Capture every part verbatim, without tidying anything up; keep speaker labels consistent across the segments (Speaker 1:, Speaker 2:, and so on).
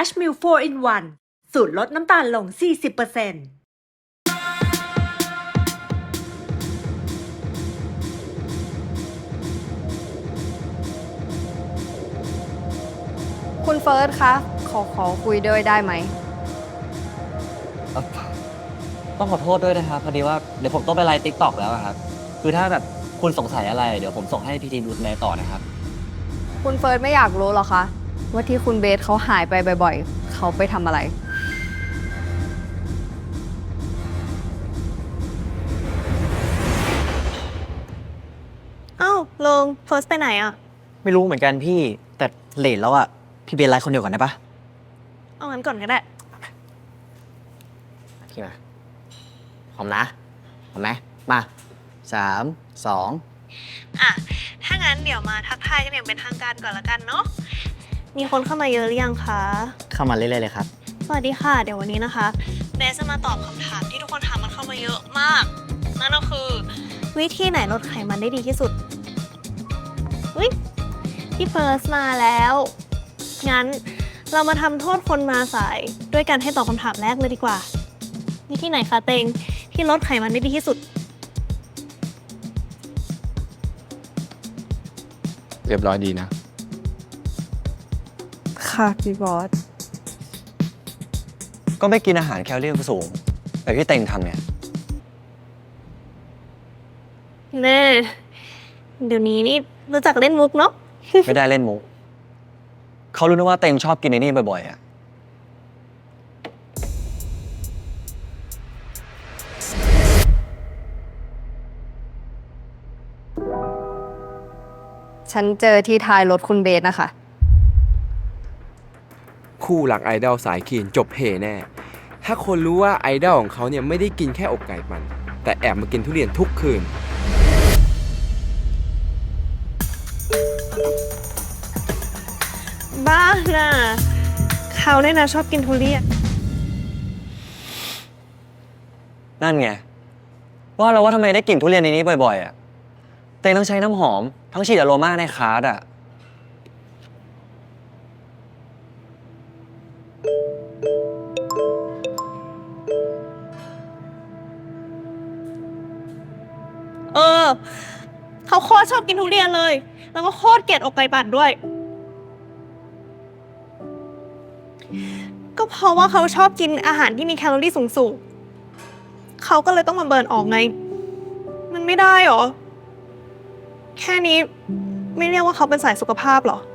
Speaker 1: Dash Milk โฟร์ in วัน สูตรลดน้ำตาลลง สี่สิบเปอร์เซ็นต์
Speaker 2: คุณเฟิร์สคะขอขอคุยด้วยได้ไหม
Speaker 3: ต้องขอโทษด้วยนะครับพอดีว่าเดี๋ยวผมต้องไปไลฟ์ติ๊กต็อกแล้วอะครับคือถ้าแบบคุณสงสัยอะไรเดี๋ยวผมส่งให้พี่ทีมดูแลต่อนะครับ
Speaker 2: คุณเฟิร์สไม่อยากรู้หรอคะว่าที่คุณเบสเขาหายไปบ่อยๆ เขาไปทำอะไร
Speaker 4: เอ้าลงเฟิร์สไปไหนอ่ะ
Speaker 3: ไม่รู้เหมือนกันพี่แต่เลทแล้วอะพี่เบนไลฟ์คนเดียวก่อนได้ปะ
Speaker 4: เอางั้นก่อนก็ได้
Speaker 3: พี่มาพร้อมนะพร้อมไหมมาสามสอง
Speaker 4: อ่ะ ถ้างั้นเดี๋ยวมาทักทายกันอย่างเป็นทางการก่อนละกันเนาะ มีคนเข้ามาเยอะหรือยังคะ
Speaker 3: เข้ามาเรื่อยๆเลยครับ
Speaker 4: สวัสดีค่ะ เดี๋ยววันนี้นะคะเบสจะมาตอบคำถามที่ทุกคนถามมันเข้ามาเยอะมาก นั่นก็คือ วิธีไหนลดไขมันได้ดีที่สุดอุ๊ยพี่เฟิร์สมาแล้ว งั้นเรามาทำโทษคนมาสายด้วยการให้ตอบคำถามแรกเลยดีกว่า วิธีไหนคะเตงที่ลดไขมันได้ดีที่สุด
Speaker 5: เรียบร้อยดีนะ
Speaker 2: ค่ะพี่บอส
Speaker 3: ก็ไม่กินอาหารแคลอรี่สูงแบบที่เต็งทำเนี่ย
Speaker 4: เน่เดี๋ยวนี้นี่รู้จักเล่นมุกเนาะ
Speaker 3: ไม่ได้เล่นมุกเขารู้นะว่าเต็งชอบกินในนี่บ่อยๆอะ
Speaker 2: ฉันเจอที่ท้ายรถคุณเบสนะคะ
Speaker 5: คู่หลักไอดอลสายคีนจบเฮแน่ ถ้าคนรู้ว่าไอดอลของเขาเนี่ยไม่ได้กินแค่อกไก่มัน แต่แอบมากินทุเรียนทุกคืน
Speaker 4: บ้าน่ะเขาเนี่ยนะชอบกินทุเรียน
Speaker 3: นั่นไงว่าเราว่าทำไมได้กลิ่นทุเรียนในนี้บ่อยๆอะเต็งต้องใช้น้ำหอมทั้งฉีดอโรมาในคาร์ดอะ
Speaker 4: เออ เขาโคตรชอบกินทุเรียนเลย แล้วก็โคตรเกลียดอกไก่ปั่นด้วย ก็เพราะว่าเขาชอบกินอาหารที่มีแคลอรี่สูงๆ เขาก็เลยต้องมาเบิร์นออกไง มันไม่ได้หรอ แค่นี้ไม่เรียกว่าเขาเป็นสายสุขภาพหรอ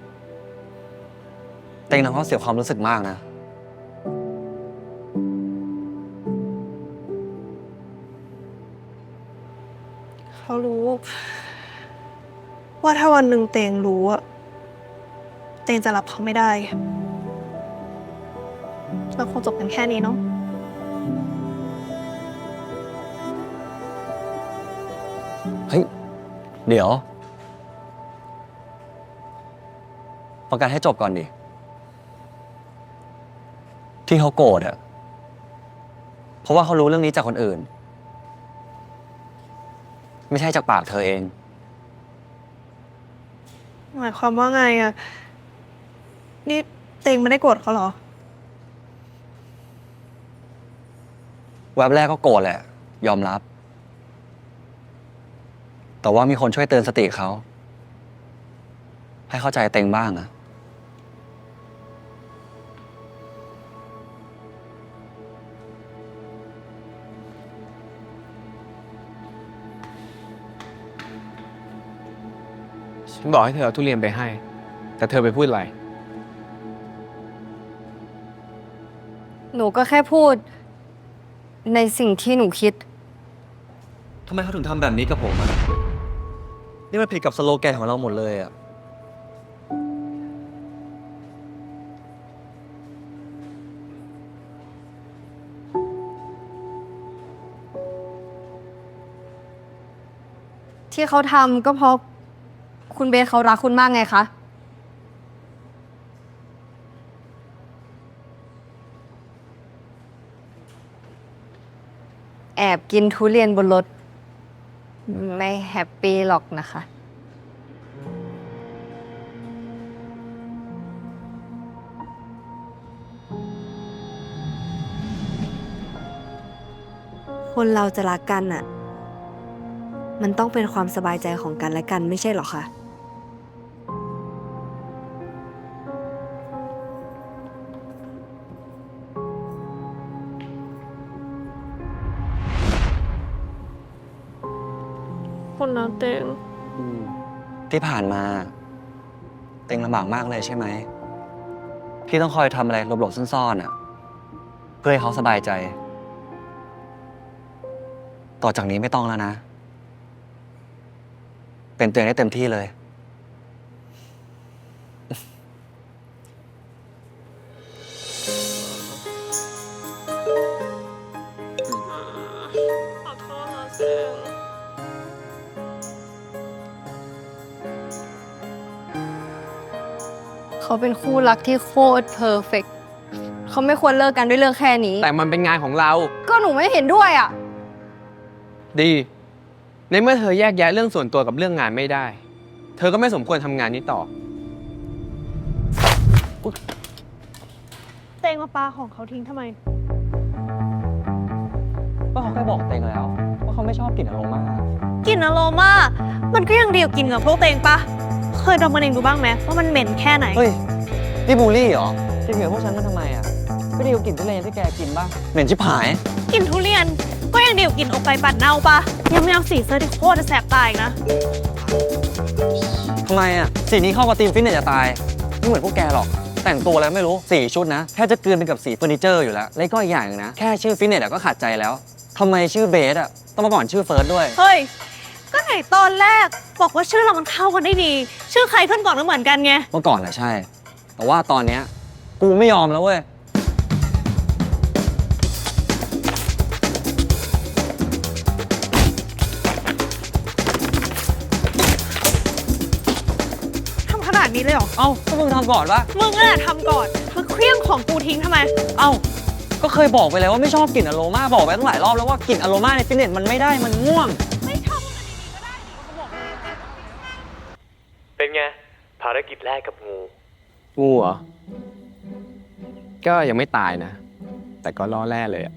Speaker 3: เต็งทำเขาเสียความรู้สึกมากนะ
Speaker 4: เขารู้ ว่าถ้าวันหนึ่งเตงรู้อะเตงจะรับเขาไม่ได้ เราคงจบกันแค่นี้เนาะ
Speaker 3: เฮ้ย เดี๋ยว ประกันให้จบก่อนดิ ที่เขาโกรธอะเพราะว่าเขารู้เรื่องนี้จากคนอื่น ไม่ใช่จากปากเธอเอง
Speaker 4: หมายความว่าไงอะนี่เตงไม่ได้โกรธเขาเหรอ
Speaker 3: แวบแรกก็โกรธแหละ ยอมรับ แต่ว่ามีคนช่วยเตือนสติเขา ให้เข้าใจเต็งบ้างอะ
Speaker 5: ฉันบอกให้เธอเอาทุเรียนไปให้ แต่เธอไปพูดอะไร
Speaker 2: หนูก็แค่พูด ในสิ่งที่หนูคิด
Speaker 3: ทำไมเขาถึงทำแบบนี้กับผมอะนี่มันผิดกับสโลแกนของเราหมดเลยอะ
Speaker 2: ที่เขาทำก็เพราะคุณเบสเขารักคุณมากไงคะ แอบกินทุเรียนบนรถ ไม่แฮปปี้หรอกนะคะคนเราจะรักกันอะมันต้องเป็นความสบายใจของกันและกันไม่ใช่หรอคะ
Speaker 4: คนนะเต็ง
Speaker 3: ที่ผ่านมา เต็งลำบากมากเลยใช่ไหมที่ต้องคอยทำอะไรหลบๆซ่อนๆอ่ะ เพื่อให้เขาสบายใจ ต่อจากนี้ไม่ต้องแล้วนะ เป็นตัวเองได้เต็มที่เลย
Speaker 4: ขอโทษนะเต็ง
Speaker 2: เขาเป็นคู่รักที่โคตรเพอร์เฟกต์เขาไม่ควรเลิกกันด้วยเรื่องแค่นี้
Speaker 5: แต่มันเป็นงานของเรา
Speaker 2: ก็หนูไม่เห็นด้วยอ่ะ
Speaker 5: ดี ในเมื่อเธอแยกแยะเรื่องส่วนตัวกับเรื่องงานไม่ได้ เธอก็ไม่สมควรทำงานนี้ต่อ
Speaker 4: เต็งมาปาของเขาทิ้งทำไม
Speaker 3: ก็เขาเคยบอกเต็งแล้ว ว่าเขาไม่ชอบกลิ่นอโรมาก
Speaker 4: ลิ่นอโรมามันก็ยังดีกว่ากินกับพวกเต็งปะเคยดมมันเองดูบ้างไหมว่ามันเหม็นแค่ไหน
Speaker 3: เฮ้ย นี่บูลลี่เหรอจะเหงื่อพวกฉันมาทำไมอ่ะ ไม่ดีกว่ากลิ่นทุเรียนที่แกกินบ้างเหม็นชิบหาย
Speaker 4: กลิ่นทุเรียนก็ยังดีกว่ากินอกไก่ปั่นเน่าปะยังไม่เอาสีเสื้อที่โคตรจะแสบตาอีกนะ
Speaker 3: ทำไมอ่ะ สีนี้เข้ากับธีมฟิตเนสจะตาย ไม่เหมือนพวกแกหรอก แต่งตัวอะไรไม่รู้สี่ชุดนะแค่จะเกินไปกับสีเฟอร์นิเจอร์อยู่แล้ว แล้วก็อีกอย่างหนึงนะ แค่ชื่อฟิตเนสอะก็ขาดใจแล้วทำไมชื่อเบสอะต้องมาก่อนชื่อเฟิร์สด้วย
Speaker 4: เฮ้ย ก็ไหนตอนแรกบอกว่าชื่อเรามันเข้ากันได้ดี ชื่อใครขึ้นก่อนก็เหมือนกันไง
Speaker 3: เมื่อก่อนแหละใช่ แต่ว่าตอนเนี้ยกูไม่ยอมแล้วเว้ย
Speaker 4: ทำขนาดนี้เลยเหรอ
Speaker 3: เอ้าก็มึงทำก่อนปะ
Speaker 4: มึงนั่นแหละทำก่อนมาเคลี้ยงของกูทิ้งทำไม
Speaker 3: เอ้าก็เคยบอกไปแล้วว่าไม่ชอบกลิ่นอโรมาบอกไปตั้งหลายรอบแล้วว่ากลิ่นอโรมาในฟิตเนสมันไม่ได้มันง่วง
Speaker 4: ไม่ชอบมันดีๆก็ได้นี่เขาบอกเลย
Speaker 6: เป็นไง ภารกิจแรกกับงู
Speaker 5: งูเหรอ ก็ยังไม่ตายนะ แต่ก็ล่อแร่เลยอะ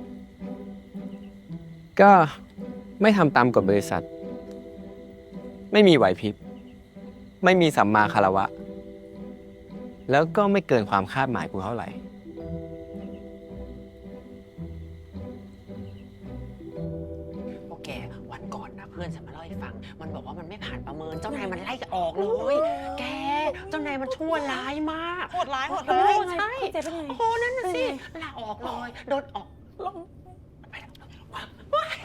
Speaker 5: ก็ไม่ทำตามกฎบริษัท ไม่มีไหวพริบ ไม่มีสัมมาคารวะ แล้วก็ไม่เกินความคาดหมายกูเท่าไหร่
Speaker 7: โอเค วันก่อนนะเพื่อนฉันมาเล่าให้ฟัง มันบอกว่ามันไม่ผ่านประเมิน เจ้านายมันไล่ออกเลย แก เจ้านายมันชั่วร้ายมาก
Speaker 4: โหดร้ายโหด
Speaker 7: โอ้
Speaker 4: ร้าย
Speaker 7: ใช่
Speaker 4: เจ็บเป็นไง
Speaker 7: โอ้นั่นน่ะสิลาออกเลย โดนออกลงไปแล้ว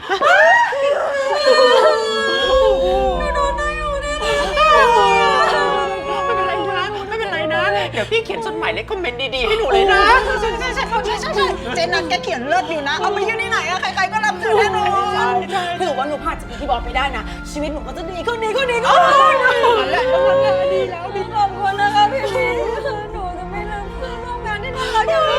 Speaker 7: ไม่เป็นไรนะ ไม่เป็นไรนะ เดี๋ยวพี่เขียนจดหมายเลขคอมเมนต์ดีๆให้หนูเลยนะ
Speaker 8: ใช่ใช่ใช่ใช่ใช่ใช่ใช่เจนัทแกเขียนเลิศอยู่นะ เอาไปยื่นที่ไหนอะใครๆก็รับถือแน่นอนถือว่าหนูผ่านจากที่บอกไปได้นะ ชีวิตหนูก็จะดีขึ้นดีขึ้นดีขึ้นนั่นแหละนั่นแหละดีแล้วดีขอบคุณนะคะพี่พีหนูจะไม่ลืมเพื่อนร่วมงานที่น่ารักอย่างนี้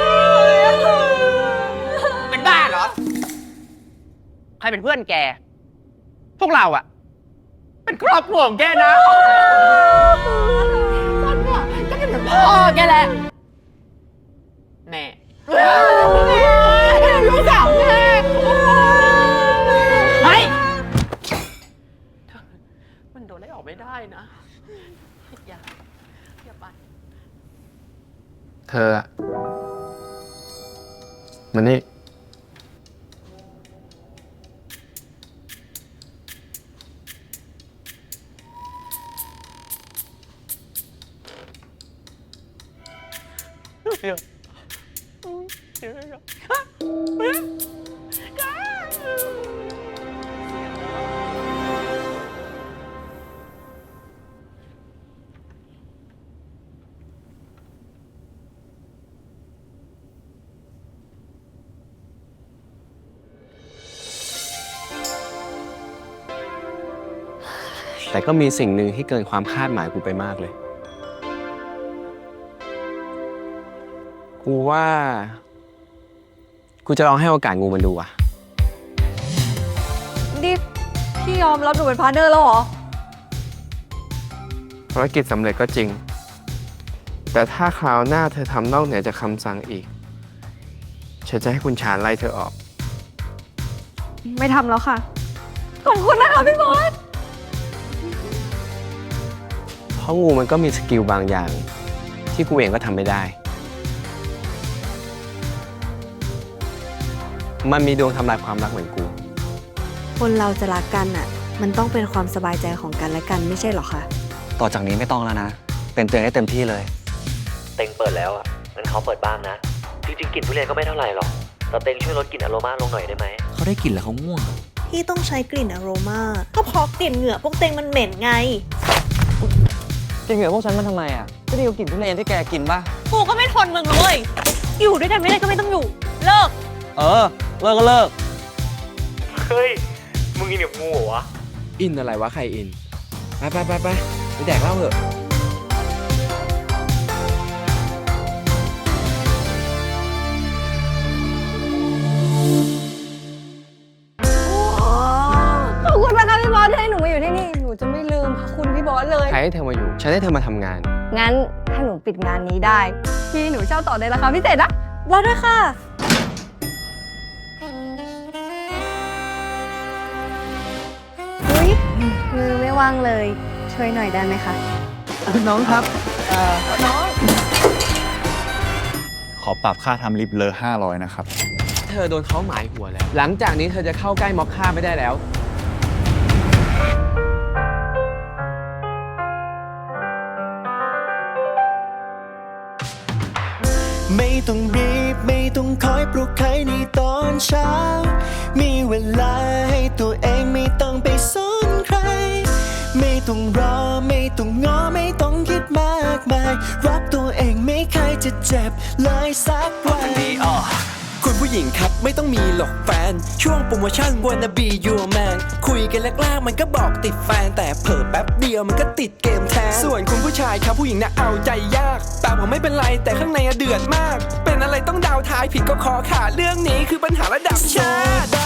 Speaker 7: เป็นบ้าเหรอ ใครเป็นเพื่อนแก พวกเราอะเป็นครอบครัวของแกนะฉันอะก็เป็นพ่อแกแหละแม่ลูกสาวแม่เฮ้ยมันโดนไล่ออกไม่ได้นะอย่าอย่าไป
Speaker 5: เธออะมันนี่ แต่ก็มีสิ่งหนึ่งที่เกินความคาดหมายกูไปมากเลย กูว่า กูจะลองให้โอกาสงูมันดูอ่ะ
Speaker 2: นี่พี่ยอมรับหนูเป็นพาร์ทเนอร์แล้วเหรอ
Speaker 5: ภารกิจสำเร็จก็จริง แต่ถ้าคราวหน้าเธอทำนอกเหนือจากคำสั่งอีก ฉันจะให้คุณชาญไล่เธอออก
Speaker 2: ไม่ทำแล้วค่ะ ขอบคุณนะคะพี่บอส
Speaker 5: เพราะงูมันก็มีสกิลบางอย่าง ที่กูเองก็ทำไม่ได้ มันมีดวงทำลายความรักเหมือนกู
Speaker 2: คนเราจะรักกันอ่ะ มันต้องเป็นความสบายใจของกันและกันไม่ใช่หรอคะ
Speaker 3: ต่อจากนี้ไม่ต้องแล้วนะ เป็นตัวเองได้เต็มที่เลย
Speaker 6: เต็งเปิดแล้วอ่ะงั้นเขาเปิดบ้างนะ จริงๆกลิ่นทุเรียนก็ไม่เท่าไหร่หรอก แต่เต็งช่วยลดกลิ่นอโรมาลงหน่อยได้ไหม
Speaker 3: เขาได้กลิ่นแล้วเขาง่วง
Speaker 4: ที่ต้องใช้กลิ่นอโรมาก็เพราะกลิ่นเหงื่อพวกเต็งมันเหม็นไง
Speaker 3: กินเหงื่อพวกฉันมันทำไมอ่ะก็ดีกว่ากลิ่นทุเรียนที่แกกินป่ะ
Speaker 4: กูก็ไม่ทนมึงเลยอยู่ด้วยกันไม่ได้ก็ไม่ต้องอยู่ เลิก
Speaker 3: เออ เลิกก็เลิก
Speaker 6: เฮ้ย มึงกินกับงูเหรอวะ
Speaker 5: อินอะไรวะใครอิน ไปไปไปไปไปแดกเหล้าเถอะ
Speaker 2: ขอบคุณนะคะพี่บอสที่ให้หนูมาอยู่ที่นี่ หนูจะไม่ลืมพระคุณพี่บอสเลย
Speaker 5: ใครให้เธอมาอยู่ ฉันให้เธอมาทำงาน
Speaker 2: งั้นถ้าหนูปิดงานนี้ได้ พี่หนูเช่าต่อในราคาพิเศษนะรอด้วยค่ะ อุ๊ย มือไม่ว่างเลย ช่วยหน่อยได้ไหมคะ
Speaker 9: น้องครับเอ่อน้อง
Speaker 10: ขอปรับค่าทำลิฟต์เลอห้าร้อยนะครับ
Speaker 5: เธอโดนเขาหมายหัวแล้ว หลังจากนี้เธอจะเข้าใกล้ม็อบฆ่าไม่ได้แล้ว
Speaker 9: ไม่ต้องรีบไม่ต้องคอยปลุกใครในตอนเช้า มีเวลาให้ตัวเองไม่ต้องไปสนใคร ไม่ต้องรอไม่ต้องง้อไม่ต้องคิดมากมายรักตัวเองไม่เคยจะเจ็บเลยสักวันคุณผู้หญิงครับไม่ต้องมีหรอกแฟน ช่วงโปรโมชั่น wanna be your man คุยกันแรกๆมันก็บอกติดแฟน แต่เผลอแป๊บเดียวมันก็ติดเกมแทน ส่วนคุณผู้ชายครับผู้หญิงน่ะเอาใจยาก แต่ผมไม่เป็นไรแต่ข้างในอะเดือดมาก เป็นอะไรต้องดาวท้ายผิดก็คอขาดเรื่องนี้คือปัญหาระดับชาติ